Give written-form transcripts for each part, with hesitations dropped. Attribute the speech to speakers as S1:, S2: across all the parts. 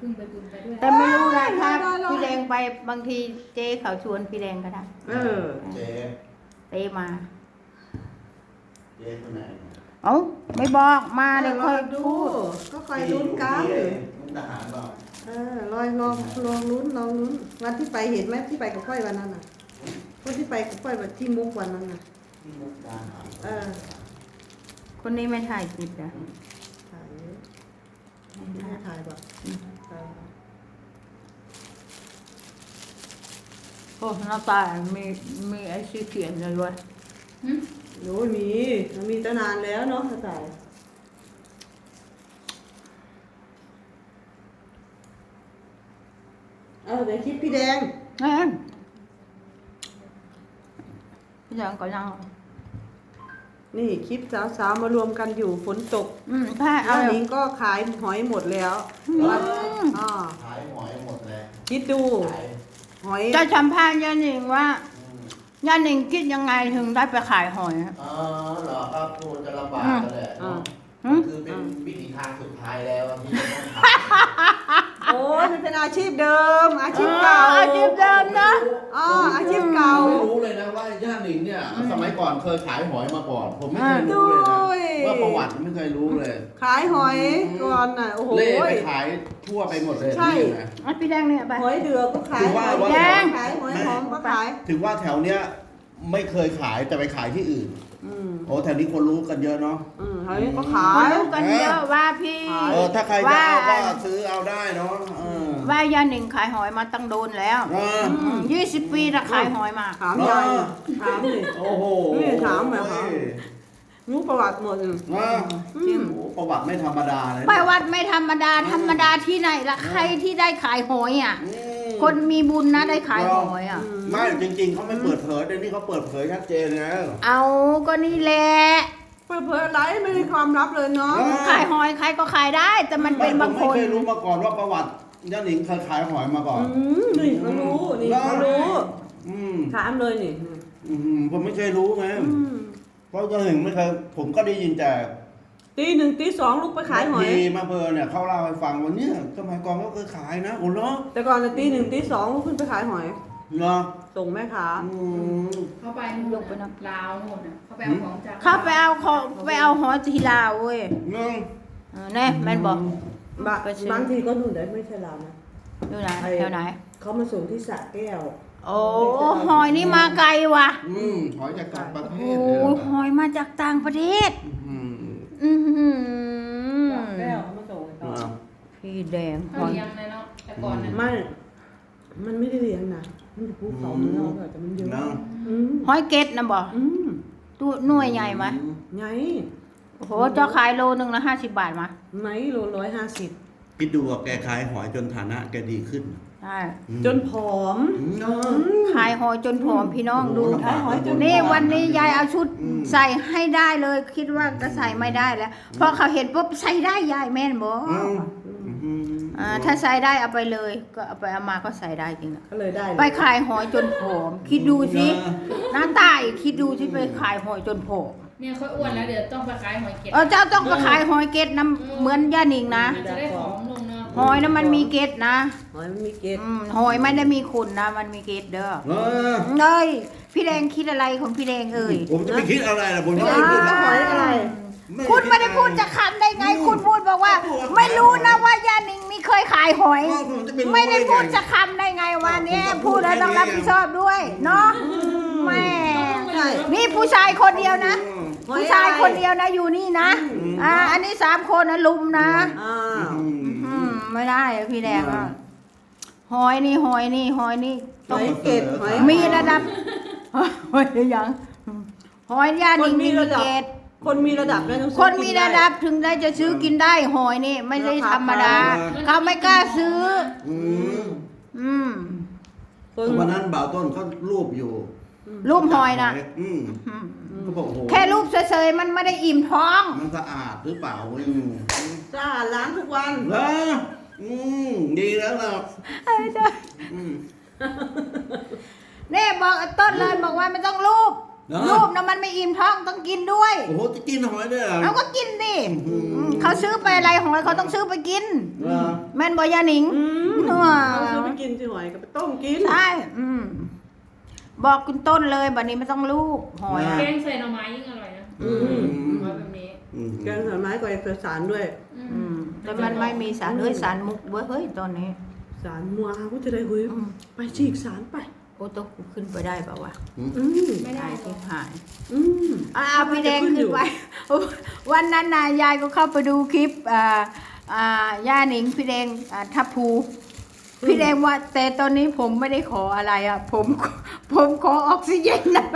S1: พึ่งไปบุญไปด้วย
S2: แต่ไม่รู้นะถ้าพี่แดงไปบางทีเจ๊เขาชวนพี่แดงก็ได้
S3: เจ๊
S2: เต้มา
S3: เจ๊คนไหน
S2: เอ้าไม่บอกมาเดี๋ยวค่อย
S4: ดู
S2: พูด
S4: ก็คอยลุ้นกัน
S3: มุกดาหารบอก
S4: ลอยลองลุ้นวันที่ไปเห็นไหมที่ไปกับค่อยวันนั้นน่ะคนที่ไปกับค่อยวันที่มุกวันนั้นน่ะ
S3: ที่มุกดาหาร
S2: คนนี้ไม่ถ่ายคลิปนะ
S4: ถ่ายไม่ถ่ายแบบ
S2: โอ้หน้าตามีไอ้ชื่อเขียนเลยด้วย
S4: โอ้ยมันมีตั้งนานแล้วเนาะถ่ายเดี๋ยวคลิปพี่แดง
S2: นั่นพี่แดงก็นั่ง
S4: นี่คลิปสาวๆมารวมกันอยู่ฝนตก
S2: ใช่เอา
S4: อันนี้ก็ขายหอยหมดแล้วอ๋อ
S3: ขายหอยหมดเลย
S4: คิดดู
S3: ขาย
S4: หอย
S2: จะสัมภาษณ์ย่าหนิงว่าย่าหนิงคิดยังไงถึงได้ไปขายหอยอะ
S3: อ๋อเหรอครับคงจะลำบากกันแหละเนาะคือเป็นวิถีทางสุดท้ายแล้วที่จะต้องทำ
S4: โอ้ยมันเป็นอาชีพเดิม อาชีพเก่า
S2: อาชีพเดิมนะ
S4: อาชีพเก่า
S3: ไม่รู้เลยนะว่าย่าหนิงเนี่ยสมัยก่อนเคยขายหอยมาก่อน ผมไม่เคยรู้เลยนะว่าประวัติไม่เคยรู้เลย
S4: ขายหอยก่อนน่ะโอ้โห
S3: เล่ไปขายทั่วไปหมดเลย
S4: ใช่
S3: นี่นะ
S2: อ่ะพี่แดงเนี่ยไป
S4: หอยเดือก็ขาย
S3: ถือว่า
S4: หอย
S2: แดง
S4: ขายหอยหอมก็ขาย
S3: ถึงว่าแถวเนี้ยไม่เคยขายแต่ไปขายที่อื่น โอ้แถวนี้คนรู้กันเยอะเนาะ
S4: หอยก็ขา
S2: เขา
S4: ย
S2: รู้กันเยอะว่าพี่
S3: ถ้าใครจะเอาก็ซื้อเอาได้เนาะ
S2: ว่าย่าหนิงขายหอยมาตั้งโดนแล้ว 20 ปีนะขายหอยมา
S4: ถามยายถามดิ
S3: โอ้โห
S4: นี่ถามแบบถาม รู้ประวัติหมดเลย
S3: ประวัติไม่ธรรมดาเลย
S2: ไปวัดไม่ธรรมดาที่ไหนล่ะใครที่ได้ขายหอยอ่ะ คนมีบุญนะได้ขายหอยอ่ะ
S3: ไม่จริงๆเขาไม่เปิดเผยเดี๋ยวนี้เขาเปิดเผยชัดเจนนะ
S2: เอาก็นี่แหละ
S4: เปิดเผยอะไรไม่มีความลับเลยเนาะ
S2: ขายหอยใครก็ขายได้ แต่มันเป็นบางคน
S3: ไม่เคยรู้มาก่อนว่าประวัติย่าหนิงเคยขายหอยมาก่อน
S4: นี่เขารู้นี่เขารู้ ถามเลยนี่
S3: ผมไม่เคยรู้ไงเพราะย่าหนิงไม่เคยผมก็ได้ยินแต่
S4: ตีหนึ่งตีสองลูกไปขายหอย
S3: ทีมาเพอเนี่ยเขาเล่าให้ฟังว่าเนี่ยสมัยก่อนเขาเคยขายนะโอ้โห
S4: แต่ก่อนน่ะตีหนึ่งตีสองลูกขึ้นไปขายหอย
S3: เนาะ
S4: ส่งแม่ค้า
S1: เข้าไปนู่น
S2: ลงไปเนอะ
S1: ลาวนู่นน่ะเขาไปเอาของจาก
S2: เข้าไปเอาของไปเอาหอยทีลาวเว้ย
S3: นึง
S2: แน่แม่นบอก
S4: บางทีก็นู่นได้ไม่ใช่เรานะ
S2: อยู่ไหนแถวไหน
S4: เขามาส่งที่สระแก้ว
S2: โอ้หอยนี่มาไกลว่ะ
S3: หอยจากต่างประเท
S2: โอ้
S3: ศเลยเหรอ
S2: หอยมาจากต่างประเทศ
S3: อืม
S4: สระแก้วเขามาส่งให้เขา
S2: พี่แดงห
S1: เขา
S2: อย
S1: เลี้ยงเลยเนาะแต่ก่อนน่ะ
S4: มันไม่ได้เลี้ยงนะมันจะภูเขาเนื้อแต่มันเยอะ
S3: เนาะ
S2: หอยเกตนะบอกตัวหน่วยใหญ่ไหม
S4: ไง
S2: โอ้โหเจ้าขายโลนึงละ50 บาทมา
S4: ไหนโล150
S3: คิดดูว่าแกขายหอยจนฐานะแกดีขึ้น
S2: ใช่
S4: จนผอม
S2: ขายหอยจนผอมพี่น้องดู
S4: ขายหอยจน
S2: นี่วันนี้ยายเอาชุดใส่ให้ได้เลย คิดว่าก็ใส่ไม่ได้แล้วพอเขาเห็นปุ๊บใส่ได้ยายแม่นบอกถ้าใส่ได้เอาไปเลย ก็เอาไปเอามาก็ใส่ได้จริงอะ
S4: ก็เลยได้
S2: ไปขายหอยจนผอม คิดดูสิหน้าตายคิดดูสิไปขายหอยจนผอม
S1: เนี่ยเขาอ้วนแล้วเดี๋ยวต้องไปขายหอยเก็ด
S2: เจ้าต้องไปขายหอยเกตน้ำเหมือนย่านิงนะ
S1: มันจะได้ของลงเนาะ
S2: หอยนั้นมันมีเกตนะ
S4: หอยมันมีเกล็ด
S2: หอยไม่ได้มีขุนนะมันมีเกตเด้อ
S3: เออ
S2: เอ้ยพี่แดงคิดอะไรของพี่แดงเอ่ย
S3: ผมจะไปคิดอะไรล่ะผมจะ
S4: ไม่
S3: ไม่คิด
S4: หอยอะไร
S2: คุณไม่ได้พูดจะคำได้ไง คุณพูดบอกว่า ไม่รู้นะว่าย่านิงนี่เคยขายหอย ไม่ได้พูดจะคำได้ไงวันนี้พูดแล้วต้องรับผิดชอบด้วยเนาะแม่นี่ผู้ชายคนเดียวนะ ผู้ชายคนเดียวนะอยู่นี่นะอันนี้3 คนนะลุมนะไม่ได้อะพี่แดงอ่ะหอยนี่หอยนี่หอยนี่
S4: หอยเกล็ดหอย
S2: มีระดับหอยยังหอยย่านิงมีเกต
S4: คนมีระดับแล้วต้อง
S2: คนมีระดับถึงได้จะซื้อกินได้หอยนี่ไม่ใช่ธรรมดาเขาไม่กล้าซื้อ
S3: วันนั้นบ่าวต้นเขารูปอยู่
S2: รูปหอยนะ
S3: เขาบอกโอ้โห
S2: แค่รูปเฉยๆมันไม่ได้อิ่มท้อง
S3: มันสะอาดหรือเปล่า
S4: สะอาดล้างทุกวัน
S3: เออดีแล้วล่ะ
S2: เนี่ยบอกต้นเลยบอกว่าไม่ต้องรูป
S3: เนอะ
S2: รูปนะมันไม่อิ่มท้องต้องกินด้วย
S3: โอ้โหจะกินหอยด้วยเหรอ
S2: เอาก็กินดิ
S3: อืม
S2: เขาซื้อไปอะไรหอยเขาต้องซื้อไปกิน
S3: เหรอ
S2: แม่นบอยาหนิง
S4: เอาซื้อไปกินสิหอยก็ไปต้มกิน
S2: ใช่บอกคุณต้นเลยบัดนี้ไม่ต้องลูกหอย
S1: แก
S2: อะ
S1: งใส่หน่อไม้ยิ่งอร่อยนะ
S3: อืม
S1: หอยแบบนี้
S3: อืม
S4: แกงหน่อไม้ก็เอกสารด้วย
S2: แต่มันไม่มีสารสารมุกเว้ยตอนนี้
S4: สารมัวก็จะได้เฮ้ยไปฉีกสารไป
S2: โอ้ต้องขึ้นไปได้เปล่าวะ
S4: อืม
S1: ไม่ได้
S2: ที่หาย
S4: อืม
S2: พี่แดงขึ้นไป วันนั้นนายายก็เข้าไปดูคลิปย่าหนิงพี่แดงทัพภูพี่แดงว่าแต่ตอนนี้ผมไม่ได้ขออะไรอ่ะ ผมขอออกซิเจนนะ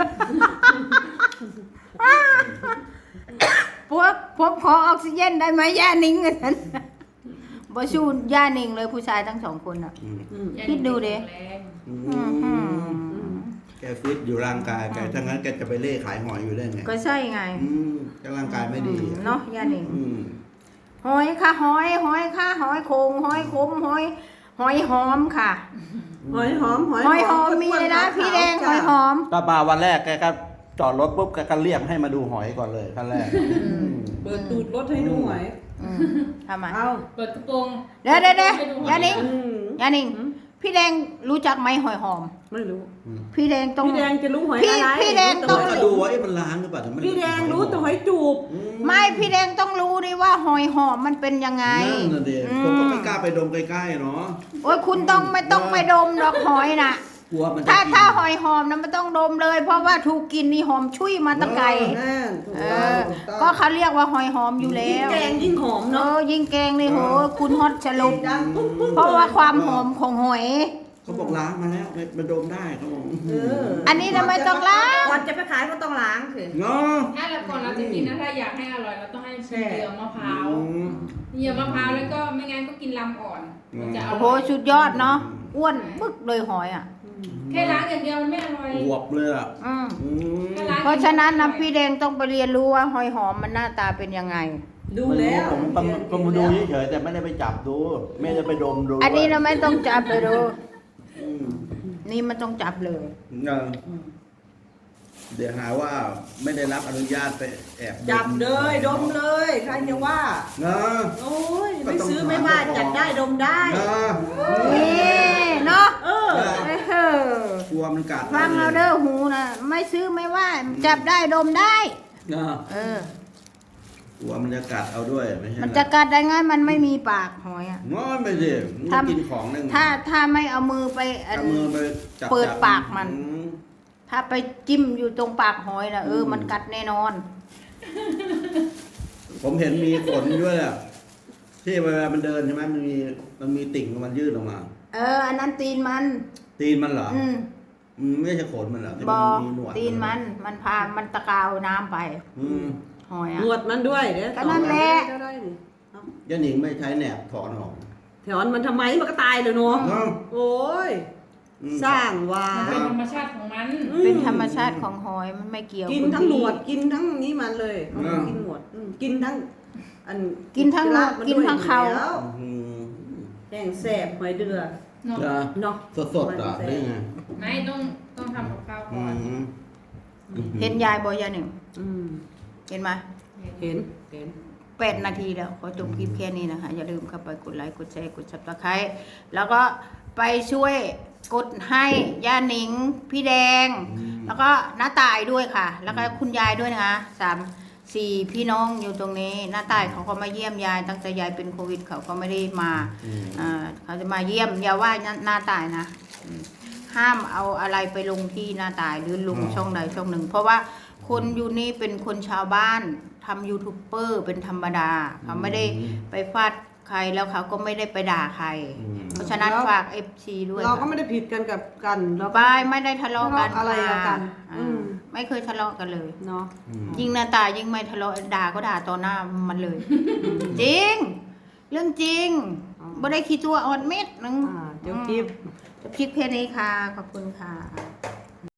S2: ผมขอออกซิเจนได้ไหมย่าหนิงกันบ่ชูย่าหนิงเลยผู้ชายทั้งสองคนอ่ะ
S3: อืม
S2: คิดดูดิ
S1: แรง
S3: อืมแกฟิตอยู่ร่างกายแกถ้างั้นแกจะไปเล่ขายหอยอยู่ได้ไง
S2: ก็ใช่ไง
S3: แกร่างกายไม่ดี
S2: เนาะย่าหนิง
S3: อืม
S2: หอยค่ะหอยค่ะหอยโขงหอยขมหอยหอมค่ะ
S4: หอยหอม
S2: หอยหอมมีเลยนะพี่แดงหอยหอม
S3: ก็มาวันแรกแกก็จอดรถปุ๊บแกก็เรียกให้มาดูหอยก่อนเลยขั้นแรก
S4: เปิดตูดรถให้ดูหอย
S2: ทำไม
S4: เอา
S1: เปิดกระโปรง
S2: เดี๋ยวย่าหนิง
S4: อืม
S2: ย่าหนิงพี่แดงรู้จักไหมหอยหอม
S4: ไม่รู้
S2: พี่แดงต้อง
S4: พี่แดงจะรู้หอย
S2: พี่
S4: อะไร
S2: พี่แดงต้อง
S3: ก็ดูว่ามันล้างหรือเปล่าถึงมัน
S4: พี่แดงรู้แต่หอยจูบ
S2: ไม่พี่แดงต้องรู้ดิว่าหอยหอมมันเป็นยังไง
S3: นั่นน่ะเด็กผมก็ไม่กล้าไปดมใกล้ๆเนาะ
S2: โอ้ยคุณต้องไม่ต้องไปดมดอกหอยน่ะ
S3: กลัวมันจะ
S2: ถ้า
S3: กิน
S2: ถ้าหอยหอมนะไม่ต้องดมเลย เพราะว่าถูกกินนี่หอมชุยมาตะไกร
S4: แน่ถูก
S2: เอ
S4: ต้องถูกต้อง
S2: อก็เขาเรียกว่าหอยหอมอยู่แล้
S4: ยิ่ง
S2: ว
S4: แกงยิ่งหอมเนาะ
S2: ยิ่งแกงนี่โหคุณฮอตฉลุ
S4: ดังปุ๊บปุ๊บ
S2: เพราะว่าความหอมของหอย
S3: เขาบอกล้างมาแล้วมาดมได้เขาบอก
S2: อันนี้ทำไมต้องล้าง
S4: ก่อนจะไปขายก็ต้องล้างสิ
S3: เนาะ
S1: ถ้าเราก่อนเราจะกินนะถ้าอยากให้อร่อยเราต้องให้ชิมเหยื่อมะพร้าวเหยื่อมะพร้าวแล้วก็ไม่งั้นก็กินลำอ่อนมันจะอ
S2: โอ้โห
S1: ร่อย
S2: สุดยอดเนาะอ้วนปึ๊กเลยหอยอ่ะ
S1: แค่ล้างอย่างเดียวมันไม่อร่อย
S3: อวบเลยอ่ะ
S2: อืม
S3: อืม
S1: แค่ล้าง
S2: เพราะฉะนั้นนะพี่แดงต้องไปเรียนรู้ว่าหอยหอมมันหน้าตาเป็นยังไง
S4: ดูแล้ว
S3: ผมมาดูเฉยๆแต่ไม่ได้ไปจับดูไม่ได้ไปดมดู
S2: อันนี้เราไม่ต้องจับเลยดู
S3: อืม
S2: นี่มันต้องจับเลย
S3: เดี๋ยวหาว่าไม่ได้รับอนุญาตไปแอบม
S4: จับเลยดมเลยใครจะว่า
S3: นะ
S4: โอ้ยไม่ซื้อไม่ว่าจัดได้ดมได้
S3: นะ
S2: นี่เนาะ
S4: เออ
S2: เออก
S3: ลัวมันกัด
S2: ฟังเอาเด้อหูนะไม่ซื้อไม่ว่าจับได้ดมได้
S3: นะ
S2: เออก
S3: ลัวมันจะกัดเอาด้วยไม่ใช่
S2: มันจะกัดได้ไงมันไม่มีปากหอยอ่ะ
S3: งอนไปสิมันกินของหนึ่ง
S2: ถ้าไม่เอามือไปอัน
S3: เอามือไปจับ
S2: เปิดปากมัน
S3: อืม
S2: ถ้าไปจิ้มอยู่ตรงปากหอยนะมันกัดแน่นอน
S3: ผมเห็นมีขนด้วยอ่ะที่เวลามันเดินใช่ไหมมันมีติ่งมันยื่นออกมา
S2: อันนั้นตีนมัน
S3: ตีนมันเหรอ
S2: อืม
S3: ไม่ใช่ขนมันเหรอที่
S2: บ
S3: มั
S2: อน
S3: มีหนวด
S2: ตีนมันพามันตะกาวน้ำไป
S3: อืม
S2: หอย
S4: หน
S2: อ่ะ
S4: วดมันด้วยเดี๋ยว
S2: ก็นั่นแหละ
S4: ก็ได้นี่
S3: ย่าหนิงไม่ใช้แหนบถอนออก
S4: แถวมันทำไมมันก็ตายเลยเนาะ
S3: เนาะ
S4: โอ้ย
S3: อืม
S4: สร้างว่า
S1: มันเป็นธรรมชาติของมัน
S2: เป็นธรรมชาติของหอยมันไม่เกี่ยว
S4: กิน
S2: คุณ
S4: ทั้งหน
S2: พี่
S4: วดกินทั้งนี้มันเลยกินหนวดกินทั้งอัน
S2: กินทั้งหนวดกินทั้งเขา
S4: แล้ว
S3: อืม
S4: แห้งแสบหอยเดือ
S1: เนาะ
S3: จะ
S4: เนาะ
S3: สดๆเหรอได้ไง
S1: ไม่ต้องทำกับข้าว
S3: อื
S1: ก่อน
S3: ม
S2: เห็นยายบอยาหนึ่ง
S4: อืม
S2: เห็นไหม
S4: เห็น
S2: 8 นาทีแล้วขอจบคลิปแค่นี้นะคะ อย่าลืมเข้าไปกดไลค์กดแชร์กด Subscribe แล้วก็ไปช่วยกดให้ย่าหนิงพี่แดง แล้วก็น้าตายด้วยค่ะ แล้วก็คุณยายด้วยนะคะ4 พี่น้องอยู่ตรงนี้น้าตายเขาก็มาเยี่ยมยายตั้งแต่ยายเป็นโควิดเขาก็ไม่ได้มาเขาจะมาเยี่ยมอย่าว่าหน้าตายนะห้ามเอาอะไรไปลงที่หน้าตายหรือลงช่องใดช่องหนึ่ง เพราะว่าคนอยู่นี่เป็นคนชาวบ้านทำยูทูบเบอร์เป็นธรรมดาเขาไม่ได้ไปฟาดใครแล้วเขาก็ไม่ได้ไปด่าใคร เพราะฉะนั้นฝาก FC ด้วย
S4: เราก็
S2: ค่ะ
S4: ไม่ได้ผิดกันกับกันเรา
S2: บายไม่ได้ทะเลาะกัน
S4: ทะเลาะอะไรกัน
S2: ค่ะ
S4: อืม
S2: ไม่เคยทะเลาะกันเลย
S4: เนาะ
S2: ยิ่งหน้าตายิ่งไม่ทะเลาะด่าก็ด่าต่อหน้ามันเลย จริง เรื่องจริงไม่ได้คิดตัวอ่อนเม็ดนึง
S4: เดี๋ยวคลิป
S2: จะพลิกเพศนี้ค่ะ ขอบคุณค่ะ